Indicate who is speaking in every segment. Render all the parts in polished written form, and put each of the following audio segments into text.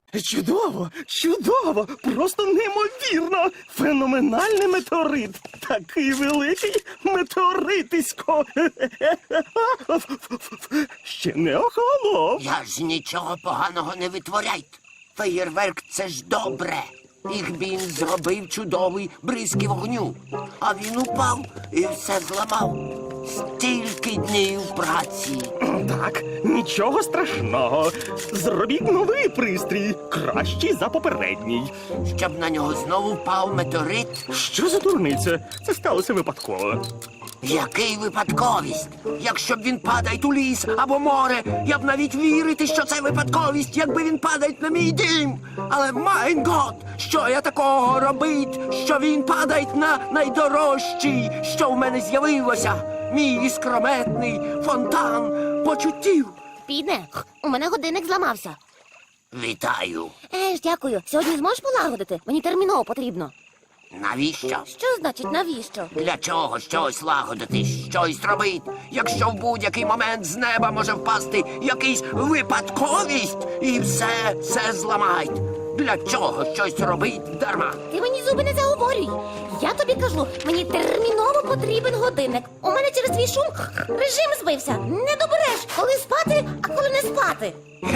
Speaker 1: Чудово, чудово, просто неймовірно. Феноменальний метеорит. Такий великий метеоритисько. Ще не охолонув.
Speaker 2: Я ж нічого поганого не витворяйте. Феєрверк – це ж добре. Їх він зробив чудовий бризки вогню. А він упав і все зламав. Стільки днів праці.
Speaker 1: Так, нічого страшного. Зробіть новий пристрій, кращий за попередній.
Speaker 2: Щоб на нього знову впав метеорит.
Speaker 1: Що за дурниця? Це сталося випадково.
Speaker 2: Який випадковість? Якщо б він падає у ліс або море, я б навіть вірити, що це випадковість, якби він падає на мій дім. Але, майн гот, що я такого робить, що він падає на найдорожчий, що в мене з'явилося? Мій іскрометний фонтан почуттів.
Speaker 3: Піде, у мене годинник зламався.
Speaker 2: Вітаю.
Speaker 3: Дякую. Сьогодні зможеш полагодити? Мені терміново потрібно.
Speaker 2: Навіщо?
Speaker 3: Що значить навіщо?
Speaker 2: Для чого щось лагодити, щось робити, якщо в будь-який момент з неба може впасти якийсь випадковість і все зламають? Для чого щось робити дарма?
Speaker 3: Ти мені зуби не заговорюй. Я тобі кажу, мені терміново потрібен годинник. У мене через твій шум режим збився. Не добереш, коли спати, а коли не спати.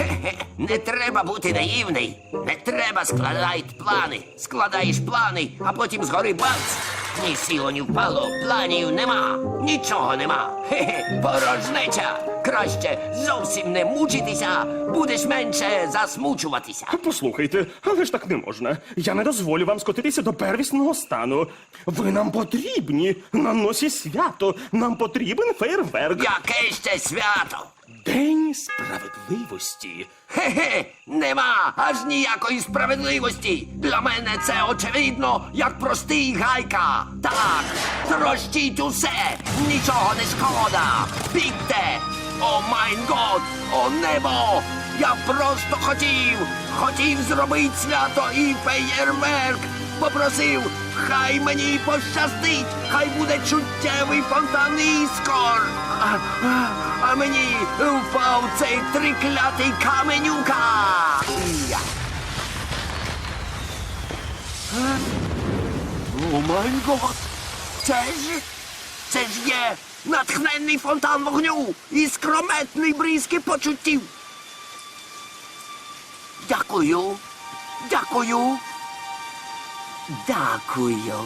Speaker 2: Не треба бути наївний. Не треба складати плани. Складаєш плани, а потім згори бац. Ні сіло, ні впало, планів нема. Нічого нема. Порожнеча. Краще зовсім не мучитися, будеш менше засмучуватися.
Speaker 1: Послухайте, але ж так не можна. Я не дозволю вам скотитися до первісного стану. Ви нам потрібні. На носі свято. Нам потрібен фейерверк.
Speaker 2: Яке ще свято?
Speaker 1: День справедливості.
Speaker 2: Нема аж ніякої справедливості. Для мене це очевидно, як простий гайка. Так, трощіть усе, нічого не шкода. Бігте! О майн год, о небо! Я просто хотів зробити свято і феєрверк. Попросив, хай мені пощастить, хай буде чуттєвий фонтан іскор. А мені впав цей триклятий каменюка. О май гот! Це ж є натхненний фонтан вогню і скрометний бризки почуттів. Дякую. Дякую. Дякую.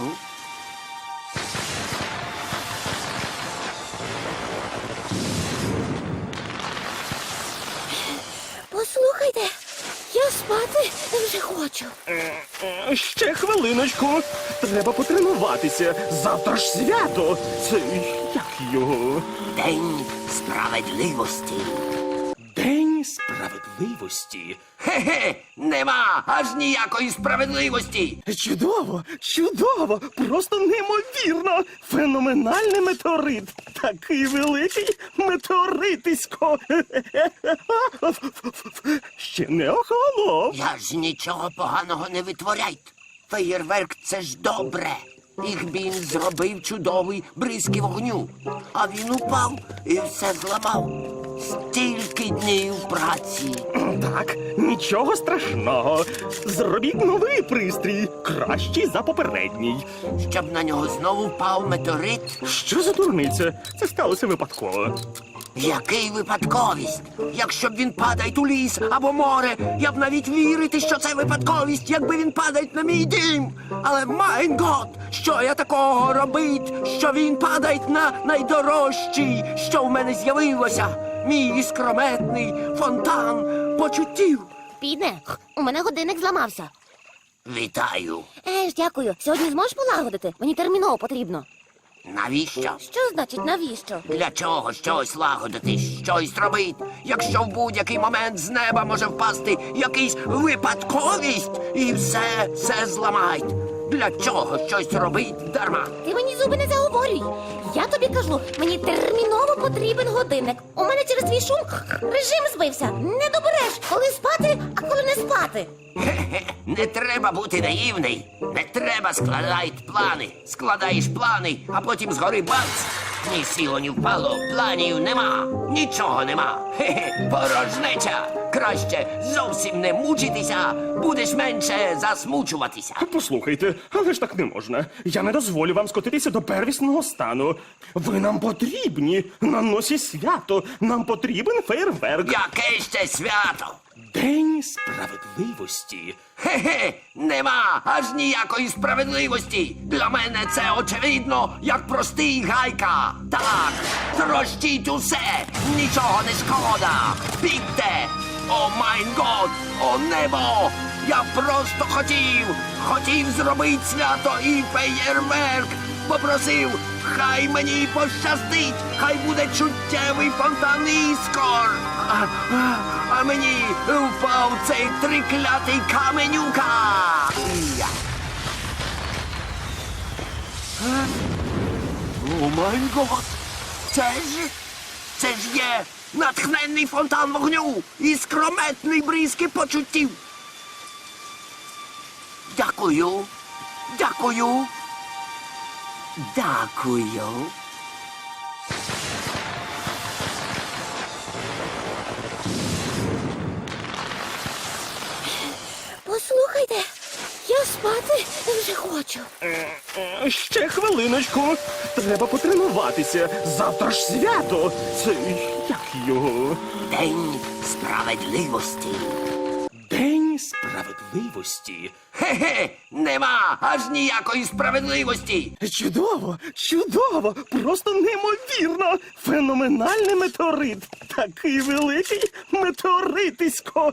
Speaker 3: Послухайте, я спати вже хочу.
Speaker 1: Ще хвилиночку. Треба потренуватися. Завтра ж свято. Це як його?
Speaker 2: День справедливості.
Speaker 1: День справедливості.
Speaker 2: Нема аж ніякої справедливості.
Speaker 1: Чудово, чудово, просто неймовірно. Феноменальний метеорит. Такий великий метеоритисько. Ще не охолонув.
Speaker 2: Я ж нічого поганого не витворяйте. Феєрверк – це ж добре. Їх він зробив чудовий бризки вогню. А він упав і все зламав. Стільки днів праці.
Speaker 1: Так, нічого страшного. Зробіть новий пристрій, кращий за попередній.
Speaker 2: Щоб на нього знову впав метеорит.
Speaker 1: Що за дурниця? Це сталося випадково.
Speaker 2: Який випадковість? Якщо б він падає у ліс або море, я б навіть вірити, що це випадковість, якби він падає на мій дім. Але, майн гот, що я такого робить, що він падає на найдорожчий, що в мене з'явилося? Мій іскрометний фонтан почуттів.
Speaker 3: Піде, у мене годинник зламався.
Speaker 2: Вітаю.
Speaker 3: Дякую. Сьогодні зможеш полагодити? Мені терміново потрібно.
Speaker 2: Навіщо?
Speaker 3: Що значить навіщо?
Speaker 2: Для чого щось лагодити, щось робити, якщо в будь-який момент з неба може впасти якийсь випадковість і все зламають? Для чого щось робити дарма?
Speaker 3: Ти мені зуби не заговорюй. Я тобі кажу, мені терміново потрібен годинник. У мене через твій шум режим збився. Не добереш, коли спати, а коли не спати.
Speaker 2: Хе-хе, не треба бути наївний. Не треба складати плани. Складаєш плани, а потім згори бац. Ні сіло, ні впало, планів нема, нічого нема. Хе-хе, порожнеча. Краще зовсім не мучитися, будеш менше засмучуватися.
Speaker 1: Послухайте, але ж так не можна. Я не дозволю вам скотитися до первісного стану. Ви нам потрібні на носі свято. Нам потрібен фейерверк.
Speaker 2: Яке ще свято?
Speaker 1: День справедливості.
Speaker 2: Хе-хе, нема аж ніякої справедливості. Для мене це очевидно, як простий гайка. Так, трощіть усе, нічого не шкода. Бігте! О майн год, о небо! Я просто хотів зробити свято і феєрверк. Попросив, хай мені пощастить, хай буде чуттєвий фонтан іскор. А мені впав цей триклятий каменюка. Я. О май гот! Це ж є натхненний фонтан вогню і скрометний бризки почуттів. Дякую. Дякую. Дякую.
Speaker 3: Послухайте, я спати вже хочу.
Speaker 1: Ще хвилиночку. Треба потренуватися. Завтра ж свято. Це як його?
Speaker 2: День справедливості.
Speaker 1: День справедливості.
Speaker 2: Хе-хе, нема аж ніякої справедливості.
Speaker 1: Чудово, чудово, просто неймовірно. Феноменальний метеорит. Такий великий метеоритисько.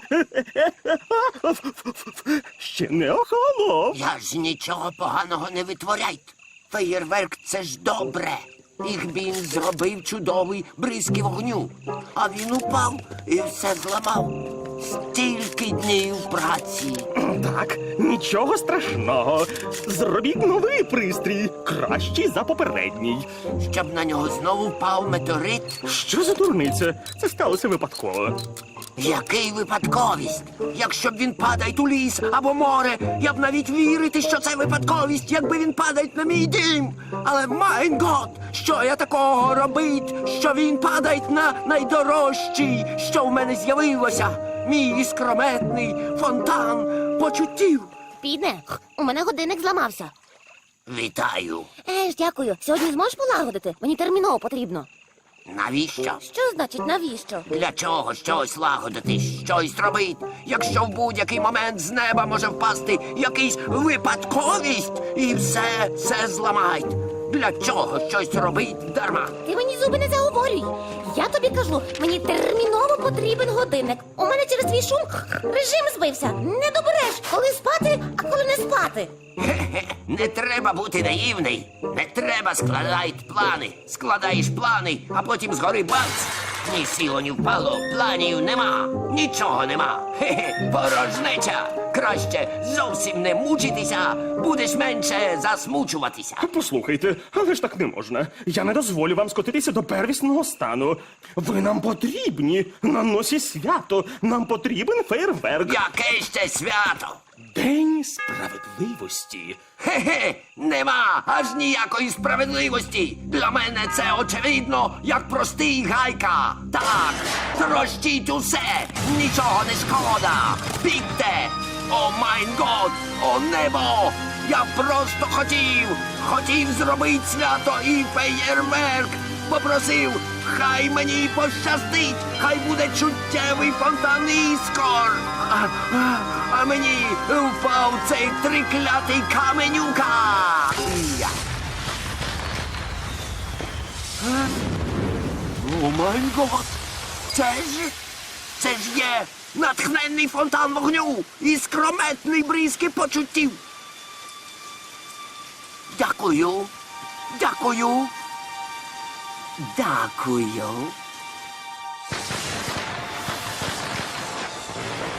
Speaker 1: Ще не охолонув.
Speaker 2: Я ж нічого поганого не витворяйте. Феєрверк — це ж добре. Їх він зробив чудовий бризки вогню. А він упав і все зламав. Стільки днів праці.
Speaker 1: Так, нічого страшного. Зробіть новий пристрій, кращий за попередній.
Speaker 2: Щоб на нього знову впав метеорит.
Speaker 1: Що за дурниця? Це сталося випадково.
Speaker 2: Який випадковість? Якщо б він падає у ліс або море, я б навіть вірити, що це випадковість, якби він падає на мій дім. Але майн гот, що я такого робить, що він падає на найдорожчий, що в мене з'явилося. Мій іскрометний фонтан почуттів.
Speaker 3: Підне, у мене годинник зламався.
Speaker 2: Вітаю.
Speaker 3: Дякую. Сьогодні зможеш полагодити? Мені терміново потрібно.
Speaker 2: Навіщо?
Speaker 3: Що значить навіщо?
Speaker 2: Для чого щось лагодити, щось робити, якщо в будь-який момент з неба може впасти якийсь випадковість і все зламають? Для чого щось робить дарма?
Speaker 3: Ти мені зуби не заговорюй. Я тобі кажу, мені терміново потрібен годинник. У мене через твій шум режим збився. Не добереш, коли спати, а коли не спати.
Speaker 2: Хе-хе, не треба бути наївний. Не треба складати плани. Складаєш плани, а потім згори бац. Ні сіло, ні впало, планів нема, нічого нема. Хе-хе, порожнеча. Краще зовсім не мучитися, будеш менше засмучуватися.
Speaker 1: Послухайте, але ж так не можна. Я не дозволю вам скотитися до первісного стану. Ви нам потрібні на носі свято. Нам потрібен фейерверк.
Speaker 2: Яке ще свято?
Speaker 1: День справедливості.
Speaker 2: Хе-хе, нема аж ніякої справедливості. Для мене це очевидно, як простий гайка. Так, трощіть усе, нічого не шкода. Бігте! О майн год, о небо! Я просто хотів зробити свято і феєрверк. Попросив, хай мені пощастить, хай буде чуттєвий фонтан іскор. А мені впав цей триклятий каменюка. Я. О май гот! Це ж є натхненний фонтан вогню і скрометний бризки почуттів. Дякую. Дякую. Дякую.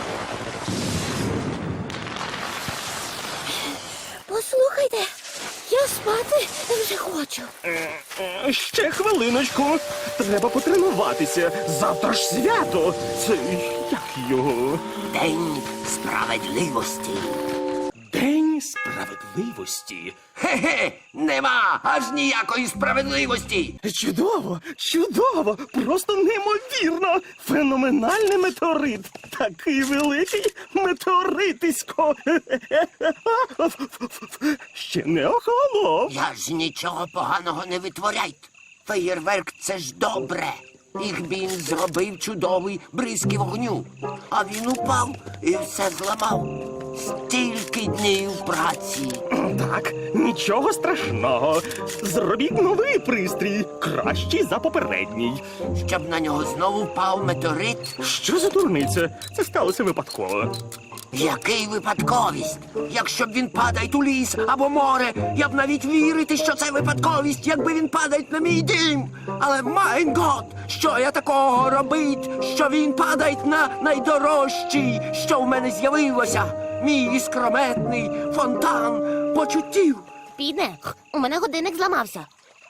Speaker 3: Послухайте, Я спати вже хочу.
Speaker 1: Ще хвилиночку. Треба потренуватися. Завтра ж свято. Це як його?
Speaker 2: День справедливості.
Speaker 1: День справедливості.
Speaker 2: Хе-хе, нема аж ніякої справедливості.
Speaker 1: Чудово, чудово, просто неймовірно. Феноменальний метеорит. Такий великий метеоритисько. Ще не охолонув.
Speaker 2: Я ж нічого поганого не витворяйте. Феєрверк — це ж добре. Ігбін зробив чудовий бризки вогню, а він упав і все зламав. Стільки днів праці.
Speaker 1: Так, нічого страшного. Зробіть новий пристрій, кращий за попередній.
Speaker 2: Щоб на нього знову впав метеорит.
Speaker 1: Що за дурниця? Це сталося випадково.
Speaker 2: Який випадковість? Якщо б він падає у ліс або море, я б навіть вірити, що це випадковість, якби він падає на мій дім. Але майн гот, що я такого робить, що він падає на найдорожчий, що в мене з'явилося, мій іскрометний фонтан почуттів.
Speaker 3: Піде, у мене годинник зламався.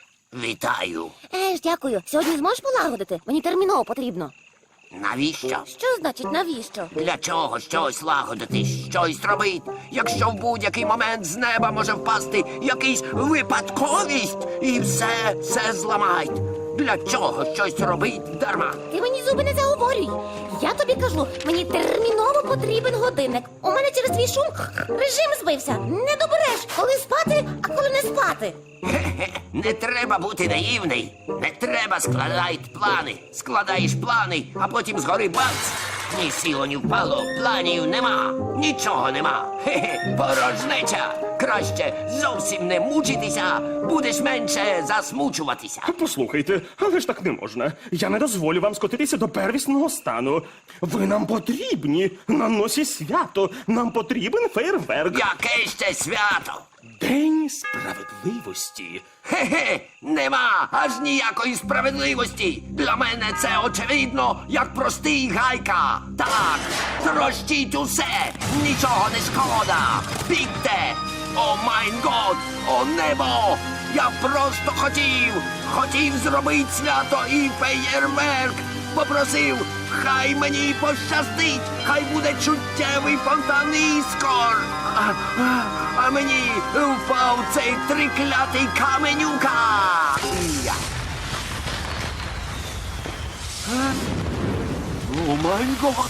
Speaker 2: Вітаю.
Speaker 3: Дякую. Сьогодні зможеш полагодити? Мені терміново потрібно.
Speaker 2: Навіщо?
Speaker 3: Що значить навіщо?
Speaker 2: Для чого щось лагодити, щось робить, якщо в будь-який момент з неба може впасти якийсь випадковість і все зламають? Для чого щось робить дарма?
Speaker 3: Ти мені зуби не заговорюй. Я тобі кажу, мені терміново потрібен годинник. У мене через твій шум режим збився. Не добереш, коли спати, а коли не спати.
Speaker 2: Хе-хе, не треба бути наївний. Не треба складати плани. Складаєш плани, а потім згори бац. Ні сіло, ні впало, планів нема. Нічого нема. Хе-хе, порожнеча. Краще зовсім не мучитися, будеш менше засмучуватися.
Speaker 1: Послухайте, але ж так не можна. Я не дозволю вам скотитися до первісного стану. Ви нам потрібні. На носі свято. Нам потрібен фейерверк.
Speaker 2: Яке ще свято?
Speaker 1: День справедливості.
Speaker 2: Хе-хе, нема аж ніякої справедливості. Для мене це очевидно, як простий гайка. Так, трощіть усе, нічого не шкода. Бігте! О майн год, о небо! Я просто хотів зробити свято і феєрверк. Попросив, хай мені пощастить, хай буде чуттєвий фонтан іскор. А мені впав цей триклятий каменюка. Я. О май гот!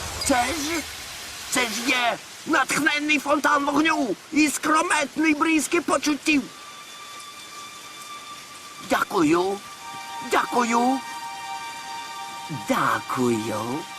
Speaker 2: Це ж є натхненний фонтан вогню і скрометний бризки почуттів. Дякую. Дякую. Дякую.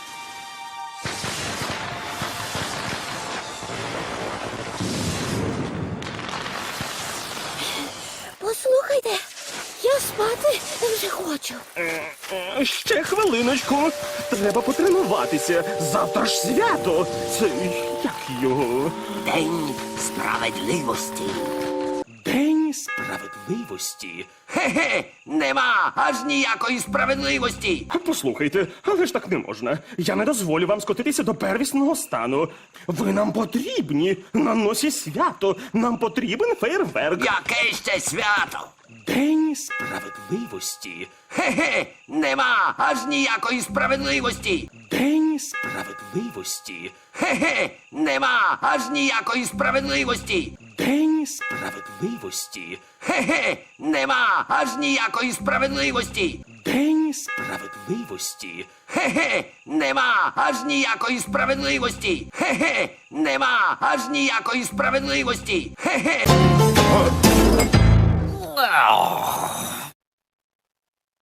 Speaker 3: Послухайте, я спати вже хочу.
Speaker 1: Ще хвилиночку. Треба потренуватися. Завтра ж свято. Це як його?
Speaker 2: День справедливості.
Speaker 1: День справедливості.
Speaker 2: Хе-хе, нема аж ніякої справедливості.
Speaker 1: Послухайте, але ж так не можна. Я не дозволю вам скотитися до первісного стану. Ви нам потрібні. На носі свято. Нам потрібен фейерверк.
Speaker 2: Яке ще свято?
Speaker 1: День справедливості.
Speaker 2: Хе-хе, нема аж ніякої справедливості.
Speaker 1: День справедливості.
Speaker 2: Хе-хе, нема аж ніякої справедливості.
Speaker 1: День справедливості.
Speaker 2: Хе-хе, нема аж ніякої справедливості.
Speaker 1: День справедливості.
Speaker 2: Хе-хе, нема аж ніякої справедливості. Хе-хе, нема аж ніякої справедливості. Хе-хе.